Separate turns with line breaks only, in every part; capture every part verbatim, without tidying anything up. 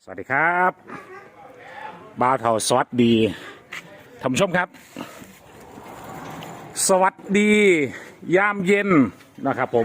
สวัสดีครับบ่าวเท่าสวัสดีท่านผู้ชมครับสวัสดียามเย็นนะครับผม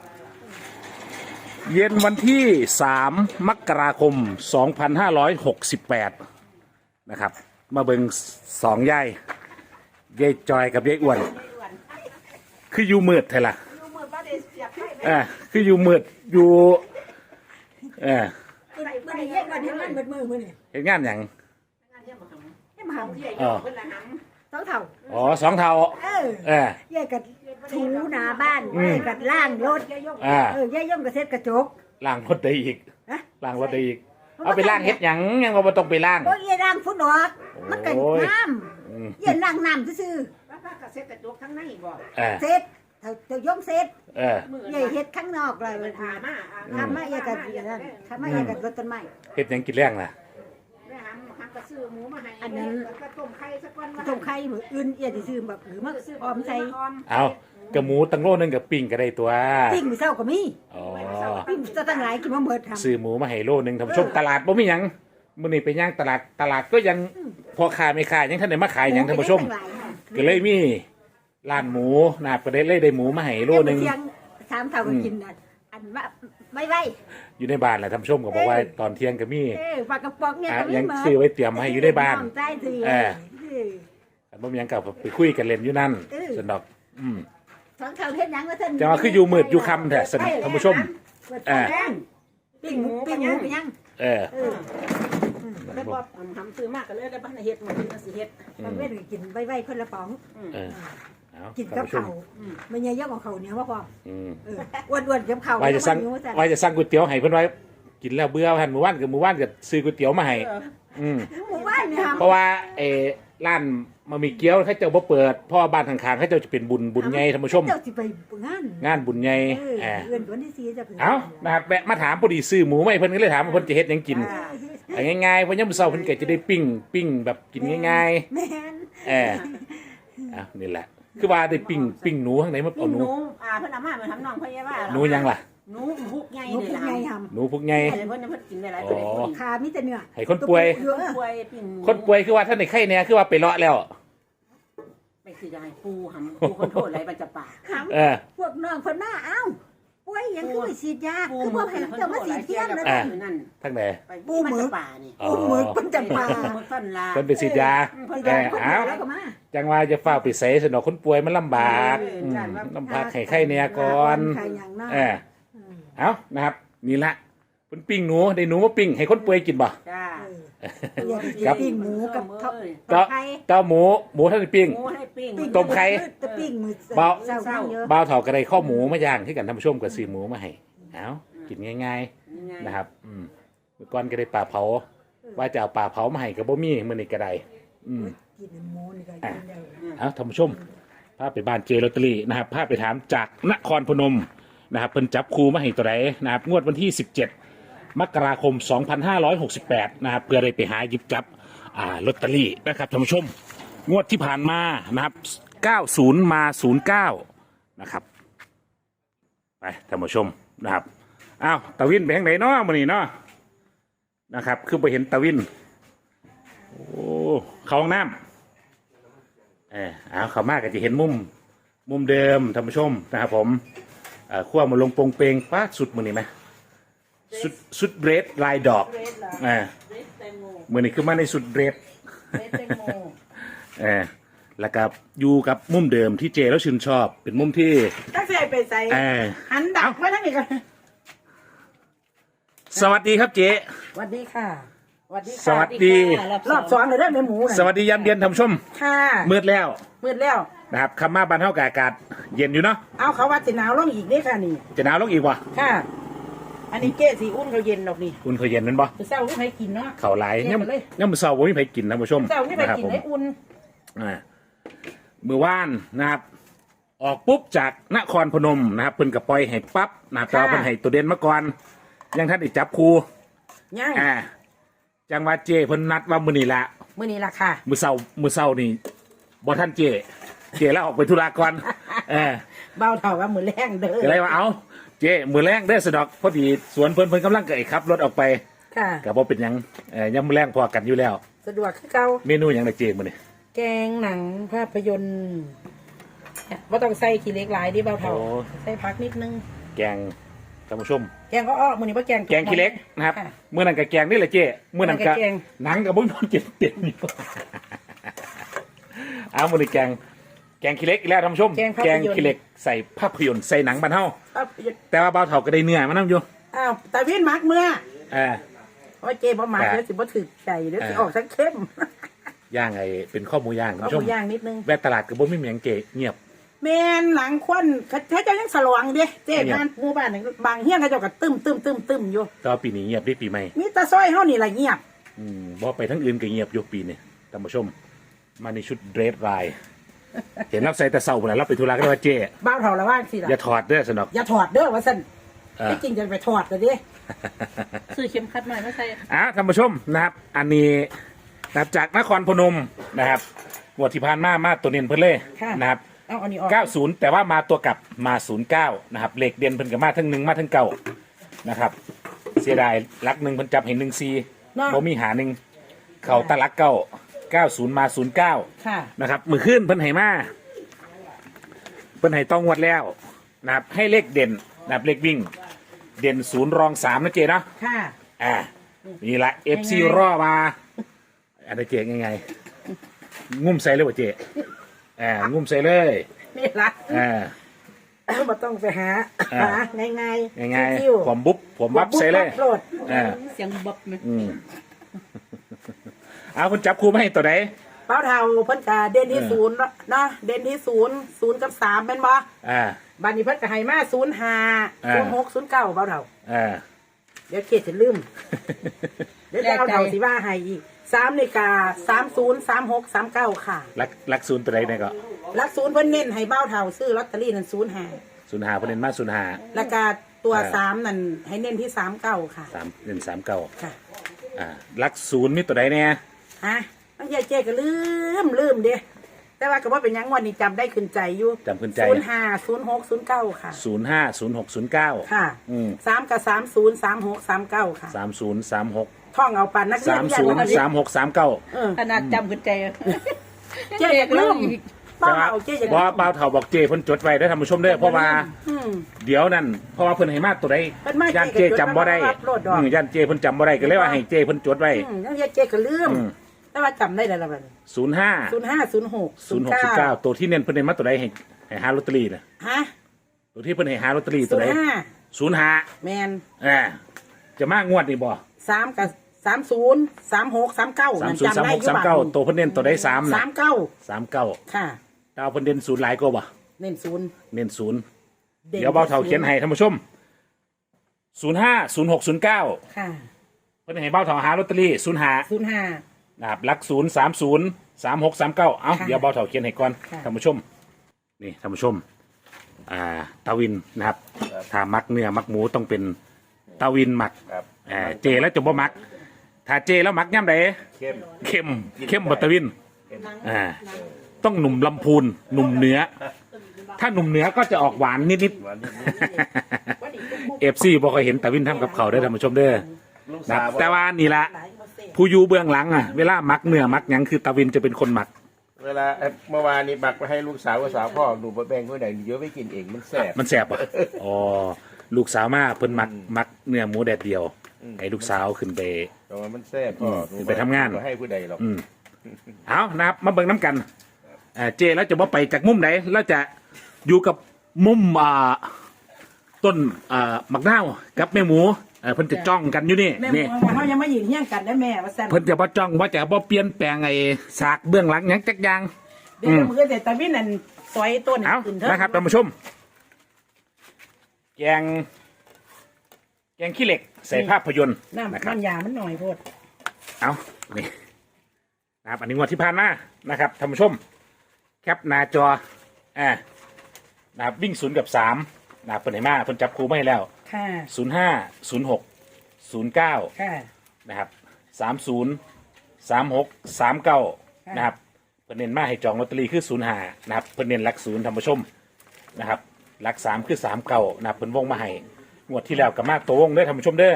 เย็นวันที่สามมกราคมสองพันห้าร้อยหกสิบแปดนะครับมาเบิ่งสองยายยายจอยกับยายอ้วนคืออยู่มืดเท่าล่ะเออคืออยู่มืดอยู่เออ
มันเย็นกันเห็นมันเบิดมือมือนี่
เห็นงานอย่าง
เห็นมาหำ
อ๋อ
สองเท่า
อ๋อสองเท่า
เออ
เออ
เย่กับถูหน้าบ้านเย่กับล่างรถ
อ่า
เออย่าย่อมกับเซ็ตกระจก
ล้างรถได้อีก
ฮะ
ล้างรถได้อีกเอาไปล้างเฮ็ดหยังยังว่าบ่ต้องไปล้าง
โอ้ยเย่ล่างฟุตดอกมันกัน
โอ้ย
น้
อืม
ำเย่ล่างน้ำซื่อ
แล้วถ้ากระเซ็ตกระจกทั้งในบ่
เออ
ๆเซ็ตเท่าเท่าย่อมเซ็ต
เออ
เย่เฮ็ดข้างนอกเลย
มันถามา
ทำมาเย่กับนั่นทำมาเย่กับรถต้นไม้
เฮ็ดหยังกินแรงล่ะ
แม่หำหำกระซื้อหมูมาให้
อันนั้น
แล้วก็ต้มไข่สักวัน
ต้มไข่มืออื่นเย่สิซื้อแบบหรือมาออมใส่
เอากระหมูตั้งโลนึงกับปิ้งก็ได้ตัว
ปิ้งมือเศร้าก็มี
อ๋อ
ปิ้งจะตั้งหลายกินมาเมิดทำ
ซื้อหมูมาให้โลนึงท่านผู้ชมตลาดบ่มีหยังมื้อนี้ไปย่างตลาดตลาดก็ยังพอขายไม่ขายยังท่านได้มาขายหยังท่านผู้ชมก็เลยมีร้านหมูนะครับก็ได้เลยได้หมูมาให้โลนึง
เที่ยงสามเท่าก็กินน่ะอันว่าไม่ไหว
อยู่ในบ้านแหละท่านผู้ชมก็บอกว่าตอนเที่ยงก็มี
เออปลากระป๋องเนี่ย
อ่ะ
ก็มี
ยัง
หมด
ซื้อไว้เตรียมมาให้อยู่ในบ้าน
น้องใต้ซื้อ
เออ
เออ
อันบ่มีหยังกับไปคุยกันเล่นอยู่นั่น
เออ
สนดอกอืม
สองเท่าเฮ็ดหยังว่าท่าน
จะว่าคืออยู่มืดอยู่ค่ำแท้สนิทท่านผู้ชม
เปิด
เออ
แป้งปิ้งหมูปิ้งหมูไปยัง
เออ
เออ
แล้วพอหำซื้อมากก็เลยได้บ้านเฮ็ดมาเป็นสิเฮ็ด
บางเว้นก็กินไว้ๆคนละป๋อง
เออเอา
กิน
ท่า
กับ
นผู้ชม
ข้าวมันยังเยอะกว่าข้าวเหนียวว่าพอ
อืม
เอออ้วนๆกับข้าว
ว่าจะสั่ง
หิวสั่น
ว่าจะสั่งก๋วยเตี๋ยวให้เพิ่นไว้กินแล้วเบื่อหันหมู่บ้านกับหมู่บ้านก็ซื้อก๋วยเตี๋ยวมาให้อืม
หมู่บ้านเนี่ย
เพราะว่าเออร้านมามีเกี๊ยวเขาเจ้าบ่เปิดเพราะว่าบ้านข้างๆเขาเจ้าจะเป็นบุญบุญใหญ่ท่านผู้ชม
เจ้าสิไปงาน
งานบุญใหญ่
เออ
เออ
เดือนวันที่สี่จะเพิ่น
เอานะครับแวะมาถามพอดีซื้อหมูมาให้เพิ่นก็เลยถามว่าเพิ่นจะเฮ็ดหยังกิน
อ่า
เอาง่ายๆเพราะยามมื้อเช้าเพิ่นก็จะได้ปิ้งปิ้งแบบกินง่าย
แม่น
ๆเอออ่ะนี่แหละ คือว่าได้ปิ้งปิ้งหนูข้างในมัน
กิ
เอา
น
ห
ห
นู
นูอ่าเพิ่นเอามาเพิ่นทำน้องเพิ่นว่า
หนูยังล่ะ
หนูพุกใหญ่
หนู
เลย
เป็น
ล่ะ
ไงท
หนูพวกไง
เพิ่นเพิ่นกินได้หลายตัว
อ๋อ
ำขามีแต่เนื้อ
ให้คนป่วย
เยอะ
ป่วยปิ้ง
คนป่วยคือว่าท่านในไข้เนี่ยคือว่าไปเลาะแล้ว
ไปสิจะให้ปูหำปูคนโทษอะไรมันจะปาก
ถาม
เออ
พวกน้องคนหน้าเอ้าป่วยยังคือไปฉีดยาคือพวกให้เจ้ามาฉีดเที่ยงแล้ว
อ่า
นะ
นั่น
ทั้งไหน
ไปปูมันจะป่านี่
อ๋อ
อุ้มมือมันจะมา
หมดต้นลา
เพิ่นไปฉีดยา
ฉีด
เอย
า
อ
คน
เอา
แล้วก็มา
จังว่าจะเฝ้าไปใส่สนอกคนป่วยมันลำบากอืมลำบากไข้ไข้เนี่ยก่อน
ใครอย่างนั้น
เออเอานะครับนี่ละเพิ่นปิ้งหนูได้หนูมาปิ้งให้คนป่วยกินบ่
จ้า
อย่าไป
ครับ
ปิ้งหมูกับข้าว
เจ้า
ไข่
เจ้าหมูหมูท่านได้ปิ้ง
หมูให้ปิ้ง
ต้มไข่
จะปิ้งมือ
เบา
เศร้าเศร้าเยอะ
บ่าวเฒ่าก็ได้ข้าวหมูมาย่างที่กันท่านผู้ชมก็ซื้อหมูมาให้เอากินง่ายๆนะครับอืมเมื่อก่อนก็ได้ปลาเผา ว่าจะเอาปลาเผามาให้ก็บ่มีมื้อนี้ก็ได้อืม
กินหมูนี่ก็กินได้
เอาท่านผู้ชมพาไปบ้านเจลอตเตอรี่นะครับพาไปถามจากนครพนมนะครับเพิ่นจับครูมาให้ตัวไหนนะครับงวดวันที่สิบเจ็ดมกราคมสองพันห้าร้อยหกสิบแปดนะครับเพื่อได้ไปหาหยิบจับอ่าลอตเตอรี่นะครับท่านผู้ชมงวดที่ผ่านมานะครับเก้าสิบมาศูนย์เก้านะครับไปท่านผู้ชมนะครับอ้าวตาวินไปทางไหนเนาะมื้อนี้เนาะนะครับคือไปเห็นตาวินโอ้เข้าห้องน้ำ เออเอาเขามากก็จะเห็นมุมมุมเดิมท่านผู้ชมนะครับผมเอ่อขั้วมาลงโปรงเปงป้าสุดมือนี่ไหมสุดสุดเรดลายดอกอ่ามือนี่คือมาในสุดเรดเออแล้วก็อยู่กับมุมเดิมที่เจแล้วชื่นชอบ เป็นมุมที่
ถ้าใส่ไปใส่
เออ
หันดักไว้ทั้งนี้ก่อน
สวัสดีครับเจ
สวัสดีค่ะสวัสดี
สวัสดี
รอบสองเลยเด้อแม่หมู
สวัสดียามเย็นท่านผู้ชม
ค่ะ
มืดแล้ว
มืดแล้ว
นะครับคำมาบานเท่ากับอากาศเย็นอยู่เนาะ
เอาเขาว่าสิหนาวลงอีกนี่ค่ะนี่
จะหนาวลงอีกวะ
ค่ะ อันนี้เจ๊สีอุ่นเขาเย็นดอกนี่
อุ่นเขาเย็นนั่นปะ
จะเศร้าไม่ให้กินเนาะ
เข่าไหลเนี่ย
เย็นไปเลย
เนี่ยมันเศร้าว่าไม่ไปกินท่านผู้ชม
เศร้าไม่ไป
นะครับ
กิน
ผม
ให้อุ่น
อ่ามือว่านนะครับ ออกปุ๊บจากนครพนมนะครับเพิ่นกับปล่อยให้ปั๊บนะครับแต่ว่าเพิ่นให้ตัวเด่นมาก่อนยังท่านได้จับครู
ย่าง
อ่าจังหวัดเจเพิ่นนัดว่ามื้อนี้ละ
มื้อนี้ล่ะค่ะ
มื้อเช้ามื้อเช้านี่บ่ท่านเจ เจแล้วออกไปธุระก่อนเออ
เบาเท่ากับมือแรงเด้อ
ก็เลยว่าเอาเจมื้อแรงเด้อสะดอกพอดีสวนเพิ่นเพิ่นกำลังเกิดขับรถออกไป
ค่ะ
ก็บ่เป็นหยังเอ่อยำแรงพอกันอยู่แล้ว
สะดวกคือเก่า
เมนูหยังได้เจมื้อนี้
แกงหนังภาพยนตร์ว่าต้องใส่ขี้เหล็กหลายดิเบาเท่าใส่ผักนิดนึง
แกงท่านผู้ชม
แกงก็อ้อมื้อนี้บ่แกง
แกงขี้เหล็กนะครับ
ค่ะ
มื้อนั้นก็แกงนี่แหละเจ้มื้อนั้นก็
มื้อนั้นก็แกง
หนังก็บ่นอนกินเต็มอยู่ เอามื้อนี้แกงแกงขี้เหล็กอีกแล้วท่านผู้ชม
แกงภาพ
แก
ย
ง
นตร์
ขี้เหล็กใส่ภาพยนตร์ใส่หนังบ้านเฮา
ภาพยนตร์
แต่ว่าเบาเฒ่าก็ได้เนื้อมานํอยู่
อ้าวตาวินมักเมื่อ
เออ
โอ้ยเจบ่มัก
ค่ะ
เดี๋ยวสิบ่ถึกใจเดี๋ยวสิ
อ่า
ออกทั้งเข้ม
ย่างไอ้เป็นข้อหมูย่างท่าน
เอา
ผู้ช
ห
ม
มูย่างนิดนึง
แวะตลาดก็บ่มีหยังเก๋เงียบ
แม่นหลังควันเขาเขาเจ้ายังสลวงเด้เจ๊
เนี่ย
บ้านหมู่บ้านนี่บางเฮียนเขาเจ้าก็ตึมตึมตึมตึมอยู่
แต่ว่าปีนี้เงียบด้วยปีใหม่
มีแตาซอยเฮานี่ล่ะเงียบ
อืมบ่ไปทั้งอื่นก็เงียบอยู่ปีนี้ท่านผู้ชม มาในชุดเดรสลาย เห็นรับใส่แต่เศร้าพุ่นน่ะรับไปธุระก็ได้ว่าเจ้
บ้าวเฒ่าละว่างสิล่ะ
อย่าถอดเด้อสนอก
อย่าถอดเด้อว่าซั่น
เออ
ที่จริงจะไปถอดแต่ดิ
ซื้อเข็มขัดใหม่มาใส่
อ่ะท่านผู้ชมนะครับ อันนี้นะครับจากนครพนมนะครับงวดที่ผ่านมามาตัวเน้นเพิ่นเลย
ค่ะ
นะครับ
เอาอันนี้ออก
เก้าสิบแต่ว่ามาตัวกลับมาศูนย์เก้านะครับเลขเด่นเพิ่นก็มาทั้งหนึ่งมาทั้งเก้านะครับ เสียดายลักหนึ่งเพิ่นจับเห็นหนึ่งซี
เนาะ
บ่มีหาหนึ่งเข่าตะลักเก้าเก้าศูนย์มาศูนย์เก้า
ค่ะ
นะครับมือขึ้นเพิ่นให้มาเพิ่นให้ต้องงวดแล้วนะครับให้เลขเด่นนะครับเลขวิ่ง เด่นศูนย์รองสามนะเจเนาะ
ค่ะ
อ่านี่ละเอฟซี
ยังไง
รอมาอะไรเจยังไงงุ่มใส่เลยว่ะเจอ่างุ่มใส่เลย
นี่ล่ะ
อ่า
บ่ต้องไปหา
อ่า
หาง่ายๆ
ง่าย
ชิว
ๆผมบุ๊บผมวับใส่เลย
โปรด
อ่า
เสียงบ๊อบไหม
อืมเอาคุณจับครูมาให้ตัวไหน
เป้าเท่าเพิ่นก็เด่นที่
เออ
ศูนย์เนาะเด่นที่ศูนย์ศูนย์กับสามแม่นบ่
อ่า
บัดนี้เพิ่นก็ให้มาศูนย์ห้า
อ่า
ศูนย์หกศูนย์เก้าเป้าเท่า
อ่า
เดี๋ยวเขตจะลืม เดี๋ยวจะเอาเท่าสิว่าให้อีกสามนาฬิกาสามศูนย์สามหกสามเก้าค่ะ
ลักลักศูนย์ตัวไหนเนี่ยก็
ลักศูนย์เพิ่นเน้นให้เบ้าเท่าซื้อลอตเตอรี่นั่นศูนย์ห้า
ศูนย์หาประเด็นมาศูนย์หา
แล้วก็ตัว
อ่า
สามนั่นให้เน้นที่สามเก้าค่ะ
สามเด่นสามเก้า
ค่ะ
อ่าลักศูนย์มีตัวไหนเนี่ย
ฮะบางทีเจ๊ก็ลืมลืมเด้แต่ว่าก็ว่าเป็นหยังวันนี้จำได้ขึ้นใจอยู่
จำขึ้นใจ
ศูนย์ห้าศูนย์หกศูนย์เก้าค่ะ
ศูนย์ห้าศูนย์หกศูนย์เก้า
ค่ะ
อืม
สามกับสามศูนย์สามหกสามเก้าค่ะ
สามศูนย์สามหก
ท่องเอาปันนักเรีย
สาน ม
ยั
ศูนย์
วั
สามหกสามเก้า
เออ
ขนาดจำขึ้นใจ
เจ๊อยากลืมเป้าเอาเจ๊อยาก
เพ
ลื
ราะ
ม
ว่าเปาเถาบอกเจเพิ่นจดไว้ได้อท่านผู้ชมเด้อเพราะว่า
อืม
เดี๋ยวนั่นเพราะว่าเพิ่นให้มาตัวใด
เพิ่นมา
ย่านเจจำบ่ได้
เจก็จดไว้ว่าโลดดอก
อืมย่านเจเพิ่นจำบ่ได้ก็เลยว่าให้เจเพิ่นจดไว้
อืมนักเรียนเจ๊ก็ลืม
อืม
แต่ว่าจำได้แล้วล่ะบัดนี้
ศูนย์ห้า
ศูนย์ห้าศูนย์หก
ศูนย์หกศูนย์เก้าตัวที่เน้นเพิ่นให้มาตัวใดให้ให้หาลอตเตอรี่น่ะ
ฮะ
ตัวที่เพิ่นให้หาลอตเตอรี่
ศู
ตัวน ใด
ย์ห้า
ศูนย์ห้า
แมน
อ่าจะมางวดนี่บ่
สามกับสามศูนย์สามหกสามเก้า
สามศูนย์สามหกสามเก้าตัวเพิ่นเน้นตัวใดสาม
สา
น่ะ
มเก้า
สามเก้า
ค่ะ
ดาวเพิ่นเด่นศูนย์หลายกว่าบ่
เน้นศูนย์
เน้นศูนย์
ด่น
เดี๋ยวเบาเถาเขียนให้ท่านผู้ชมศูนย์ห้าศูนย์หกศูนย์เก้า
ค่ะ
เพิ่นให้เบาเถาหาลอตเตอรี่ศูนย์ห้า
ศูนย์ห้า
นะครับหลักศูนย์สามศูนย์สามหกสามเก้าเอา
ค่ะ
เดี๋ยวเบาเถาเขียนให้ก่อน
ค่ะ
ท่านผู้ชมนี่ท่านผู้ชมอ่าตาวินนะครับถ้ามักเนื้อมักหมูต้องเป็นตาวินหมัก
ครับ
อ่าเจแล้วจะบ่มัก ถ้าเจแล้วมักย่ำใด
เข้ม
เข้มเข้มบัตาวินอ่าต้องหนุ่มลำพูนหนุ่มเหนือ ถ้าหนุ่มเหนือก็จะออกหวานนิด
หวานนิด
ๆเอฟซีบอกเคยเห็นตาวินทำกับเขาวได้อท่านผู้ชมเด้อ
ๆลูก
นะ
สาว
แต่ว่านี่ละผู้อยู่เบื้องหลังอ่ะเวลามักเนื้อมักหยังคือตาวินจะเป็นคนหมัก
เวลาเอ่อเมื่อวานนี้บักไปให้ลูกสาวกับสาวพ่อหนูไปแบ่งคนไหนเยอะไม่กินเองมันแสบ
มันแสบอ่ะอ๋อลูกสาวมาเพิ่นมักมักเนื้อหมูแดดเดียวไอ้ลูกสาวขึ้นไป
แต่ว่ามันแสบพ่อหนู
ไปทำงาน
บ่ให้ผู้ใดหรอก
อืมเอานะครับมาเบิ่งน้ำกันอ่าเจแล้วจะว่าไปจากมุมไหนแล้วจะอยู่กับมุมอ่าต้นอ่ามักนาวกับแม่หมูเอ่อเพิ่นจะจ้องกันอยู่นี่
แม่
นี่
หมูเขายังไม่ยืนเฮี้ยงกันได้แม่ว่าแซ่บ
เพิ่นจะบ่จ้องว่าจะบ่เปลี่ยนแปลงไอ้ฉากเบื้องหลังหยังจักอย่าง
เดี๋ยวมือแต่ตาวินนั่นซอยต้น
เอา
ขึ้นเถอะ
นะครับท่านผู้ชม แกง แกงขี้เหล็ก ใส่ภาพยนตร์
น้ำ
นะครับ
น้ำยามันหน่อยโพด
เอานี่นะครับ อันนี้งวดที่ผ่านมานะครับท่านผู้ชม แคปหน้าจออ่านะครับวิ่งศูนย์กับสามนะครับเปิดไหนมาเพิ่นจับครูมาให้แล้ว
ค่ะ
ศูนย์ห้าศูนย์หกศูนย์เก้า
ค่ะ
นะครับสามศูนย์สามหกสามเก้า
ค่ะ
นะครับเพิ่นเน้นมาให้จองลอตเตอรี่คือศูนย์ห้านะครับเพิ่นเน้นหลักศูนย์ท่านผู้ชมนะครับหลักสามคือสามเก้านะครับเพิ่นวงมาให้งวดที่แล้วกับมาตัววงเด้อท่านผู้ชมเด้อ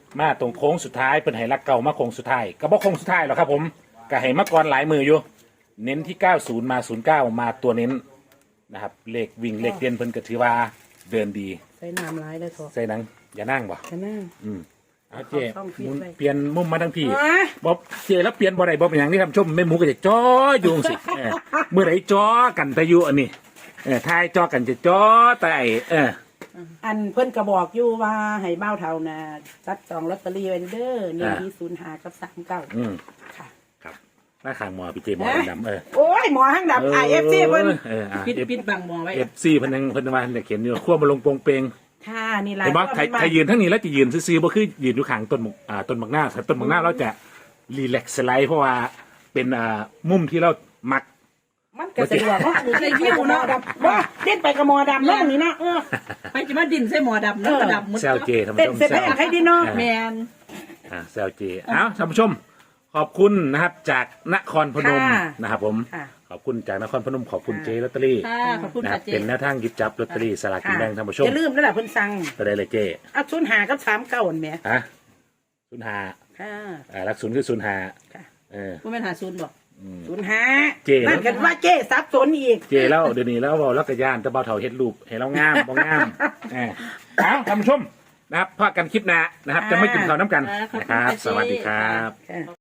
มาตรงโค้งสุดท้ายเป็นไหรักเก่ามาโค้งสุดท้ายก็บอกโค้งสุดท้ายหรอกครับผมก็ให้มาก่อนหลายมืออยู่ เน้นที่เก้าสิบมาศูนย์เก้ามาตัวเน้นนะครับเลขวิ่งเลขเด่นเพิ่นก็ถือว่าเดินดี
ใส่น้ำร้ายเลยเถอะ
ใส่หนังอย่านั่งบ่
จะนั่ง
อืมเอาเจ
เอาช่องฟิต
หมุน
ไว้
เปลี่ยนมุมมาทั้งพี่
อ่ะ
บ๊อบเจแล้วเปลี่ยนบ่ได้บ่เป็นอย่างนี้ครับชมแม่หมูก็จะจ้ออยู่จังสิเออเมื่อไหร่จ้อกันแต่อยู่อันนี้เออทายจ้อกันจะจ้อแต่ไอ้เออ
อันเพิ่นก็บอกอยู่ว่าให้เบ้าเท่านะจัดจองลอตเตอรี่ไว้เด้อหนึ่งที่ศูนย์หากับสามเก้า
อืม
ค่ะ
ครับหน้าข้างหมอพี่เจหมอดำๆเออ
โอ้ยหมอห้างดับไอเอฟซีเพิ่น
เอออ่ะ
ปิด
เอฟ
ปิดบังมองไว้
เอฟซีเพิ่นยังเพิ่นว่าเนี่ยเขียนอยู่ขั้วมาลงโปงเปง
ค่ะนี่แหละ
เห็นบ่ไทยไทยยืนทั้งนี้แล้วจะยืนซื่อๆบ่คือยืนอยู่ข้างต้นหมกอ่าต้นหมกหน้าแต่ต้นหมกหน้าเราจะรีแลกซ์สไลด์เพราะว่าเป็นอ่ามุมที่เรามัก
มันก็สะดวกเนาะนี่ได้วิวเนาะว่าเล่นไปกับหมอดำเนาะนี่เนาะเออ
ไปจะมาดินใส่หมอดำแล้วก็ดำหมด
แซวเจท่าน
เต้น
ผู้ชม
เสร็จ
แซ
แล้ว
ว
ให้ดีเนาะ
แมน
อ่าแซวเจเอ้าท่านผู้ชม ขอบคุณนะครับจากนครพนมนะครับผม
ค่ะ
ขอบคุณจากนครพนมขอบคุณเจลอตเตอรี่
ค่ะขอบคุณ
นะครั
ค่ะ
บ
เจ
เป็นแนวทางหยิบจับลอตเตอรี่สลากกินแบ่งท่านผู้ชม
อย่าลืมนั่นแหละเพิ่นสั่ง
ก็ได้เลยเจ
เอาศูนย์หากับสามเก้าอันแหม่
ฮะศูนย์หา
ค่ะ
อ่ารักศูนย์คือศูนย์หา
ค่ะ
เออ
ว่าแม่นหาศูนย์บอก
ศูนย์หา
เจ๊
นั่นกันว่าเจ๊ซับสนอีก
เจแล้วเดี๋ยวนี้แล้วเราแล้วก็ย่านแตะเบาเถาเฮ็ดรูปให้เรางามบ่งามเออเอาท่านผู้ชมนะครับพากันคลิปหน้านะครับ จะไม่กินข้าวน้ำกันนะครับ สวัสดีครับ
ค่ะ